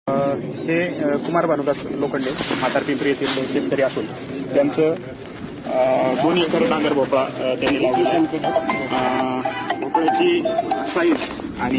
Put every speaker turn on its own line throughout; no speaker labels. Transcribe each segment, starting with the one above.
हे कुमार भानुदास लोखंडे म्हातारपिंपरी येथील शेतकरी असून त्यांचं 2 एकर डांगर भोपळा त्यांनी लावलेला आहे. भोपळ्याची साईज आणि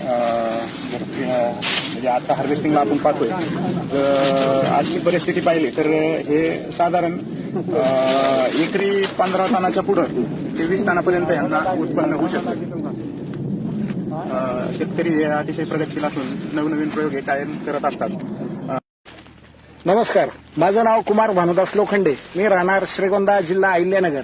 म्हणजे आता हार्वेस्टिंगला आपण पाहतोय आजची परिस्थिती पाहिली तर हे साधारण एकरी 15 टनाच्या पुढं ते 20 टनापर्यंत यांना उत्पन्न होऊ शकतं. शेतकरी हे अतिशय प्रगतशील असून नवनवीन प्रयोग हे कायम करत असतात.
नमस्कार, माझं नाव कुमार भानुदास लोखंडे. मी राहणार श्रीगोंदा, जिल्हा अहिल्यानगर.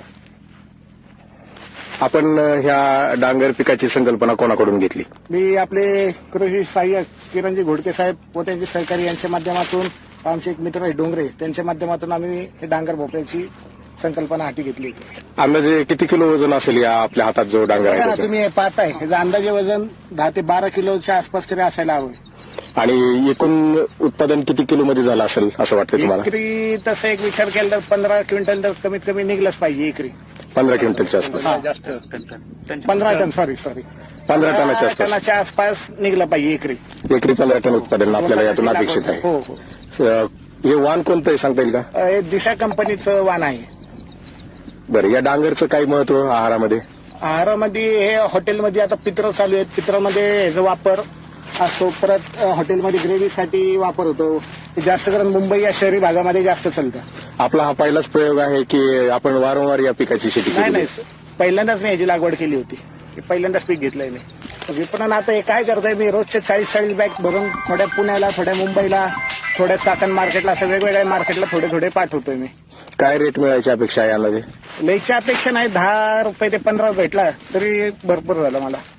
आपण ह्या डांगर पिकाची संकल्पना कोणाकडून घेतली?
मी आपले कृषी सहाय्यक किरणजी घोडके साहेब व त्यांचे सहकारी यांच्या माध्यमातून, आमचे एक मित्र आहे डोंगरे, त्यांच्या माध्यमातून आम्ही हे डांगर भोपळ्याची संकल्पना हाती घेतली.
अंदाजे किती किलो वजन असेल या आपल्या हातात जो डांगर आहे त्याचं?
तुम्ही पाहताय ह्याचं अंदाजे वजन 10 ते 12 किलोच्या आसपास तरी असायला हवं.
आणि एकूण उत्पादन किती किलो मध्ये झालं असेल असं वाटतं तुम्हाला?
एकरी तसं एक विचार केला तर 15 क्विंटल तर कमीत कमी निघलंच पाहिजे एकरी.
15 क्विंटलच्या आसपास?
जास्त
15 टन, सॉरी
15 टनाच्या आसपास?
टनाच्या आसपास निघलं पाहिजे एकरी.
एकरी 15 टन उत्पादन आपल्याला यातून अपेक्षित आहे.
हो हो.
हे वाण कोणतं आहे सांगता येईल का?
हे दिशा कंपनीचं वाण आहे.
बरं, या डांगरचं काही महत्व आहारामध्ये?
आहारामध्ये हे हॉटेलमध्ये आता पित्र चालू आहेत, पित्रामध्ये ह्याचा वापर असतो. परत हॉटेलमध्ये ग्रेव्हीसाठी वापर होतो. हे जास्त करून मुंबई या शहरी भागामध्ये जास्त चालतं.
आपला हा पहिलाच प्रयोग आहे की आपण वारंवार या पिकाची शेती
नाही
केली?
नाही, पहिल्यांदाच मी ह्याची लागवड केली होती. पहिल्यांदाच पीक घेतलंय मी. विपणन आता हे काय करतोय मी, रोजचे 40 बॅग भरून थोड्या पुण्याला, थोड्या मुंबईला, थोड्या चाकण मार्केटला, असं वेगवेगळ्या मार्केटला थोडे पाठवतोय मी.
काय रेट मिळायची अपेक्षा आहे अंदाजे?
लईच्या अपेक्षा नाही, 10 रुपये ते 15 भेटला तरी भरपूर झालं मला.